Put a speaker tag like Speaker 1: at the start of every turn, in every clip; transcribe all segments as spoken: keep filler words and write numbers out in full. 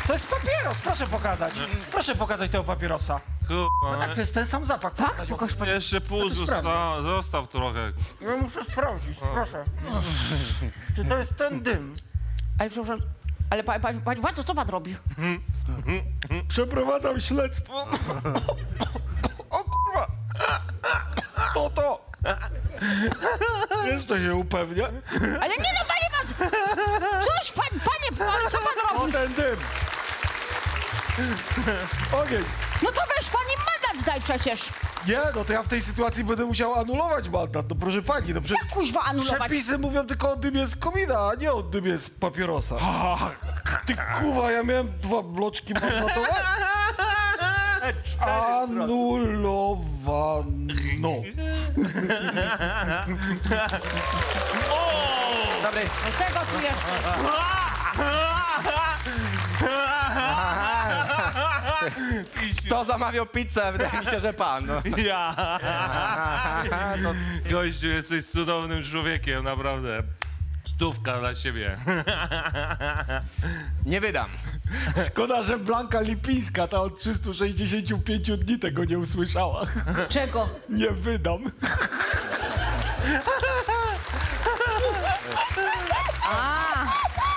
Speaker 1: To jest papieros, proszę pokazać. Proszę pokazać tego papierosa. No
Speaker 2: Kurwa,
Speaker 1: tak, to jest ten sam zapach.
Speaker 3: Tak?
Speaker 1: Pokaż.
Speaker 3: Pokaż pan.
Speaker 2: jeszcze pół
Speaker 1: to sprawdzę.
Speaker 2: zostaw, zostaw trochę.
Speaker 1: Ja muszę sprawdzić, proszę. Czy to jest ten dym?
Speaker 3: Ale przepraszam, ale pani, pani, pani władzo, co pan robi?
Speaker 1: Przeprowadzam śledztwo. O kurwa! To to! Jeszcze się upewnia.
Speaker 3: Ale nie no, panie władzo! Cóż pan, panie, pan, co pan
Speaker 1: O
Speaker 3: robi?
Speaker 1: ten dym! Ogień!
Speaker 3: No to weź pan im mandat daj przecież.
Speaker 1: Nie, no to ja w tej sytuacji będę musiał anulować mandat. No proszę pani, no prze...
Speaker 3: Kuźwa anulować.
Speaker 1: przepisy mówią tylko o dymie z komina, a nie o dymie z papierosa. Ty kuwa, ja miałem dwa bloczki mandatowe. Anulowano.
Speaker 4: Dobry.
Speaker 3: Z tego tu jeszcze.
Speaker 4: Kto zamawiał pizzę? Wydaje mi się, że pan. No.
Speaker 2: Ja!
Speaker 4: To
Speaker 2: Gościu, jesteś cudownym człowiekiem, naprawdę. Stówka dla ciebie.
Speaker 4: nie wydam.
Speaker 1: Szkoda, że Blanka Lipińska, ta od trzystu sześćdziesięciu pięciu dni tego nie usłyszała.
Speaker 3: Czego?
Speaker 1: Nie wydam.
Speaker 3: A,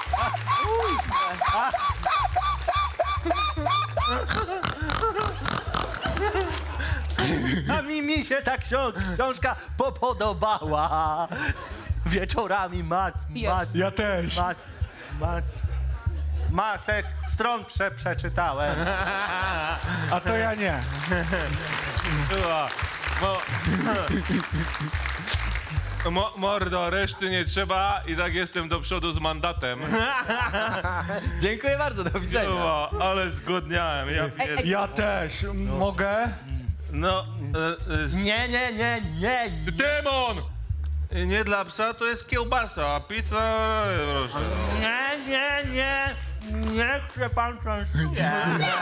Speaker 5: A mi, mi się ta książ książka popodobała. Wieczorami mas, mas,
Speaker 1: Ja też.
Speaker 5: mas, mas, masek stron prze, przeczytałem.
Speaker 1: A to ja nie.
Speaker 2: Była. Mo... Mo, mordo, reszty nie trzeba i tak jestem do przodu z mandatem.
Speaker 4: Dziękuję bardzo, do widzenia.
Speaker 2: Była, ale zgodniałem. Ja pier...
Speaker 1: Ja też. Mogę?
Speaker 2: No, e, e,
Speaker 5: Nie, nie, nie, nie.
Speaker 2: demon! Nie dla psa to jest kiełbasa, a pizza... Proszę.
Speaker 5: Nie, nie, nie. Niech się pan częstuje.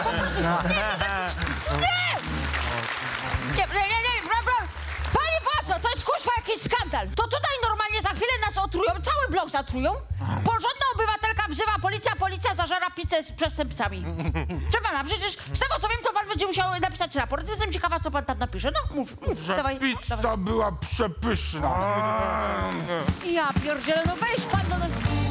Speaker 3: nie, nie, nie, nie, bra, bra. Panie władzo, to jest kuźwa jakiś skandal. To tutaj normalnie za chwilę nas otrują, cały blok zatrują. Porządna obywatelka wzywa policja, policja zażera pizzę z przestępcami. Proszę pana, przecież z tego co wiem, to pan będzie musiał napisać raport. Jestem ciekawa, co pan tam napisze. No, mów, mów,
Speaker 1: Że
Speaker 3: dawaj.
Speaker 1: pizza
Speaker 3: dawaj.
Speaker 1: była przepyszna.
Speaker 3: Ja pierdzielę, no weź pan, no, no.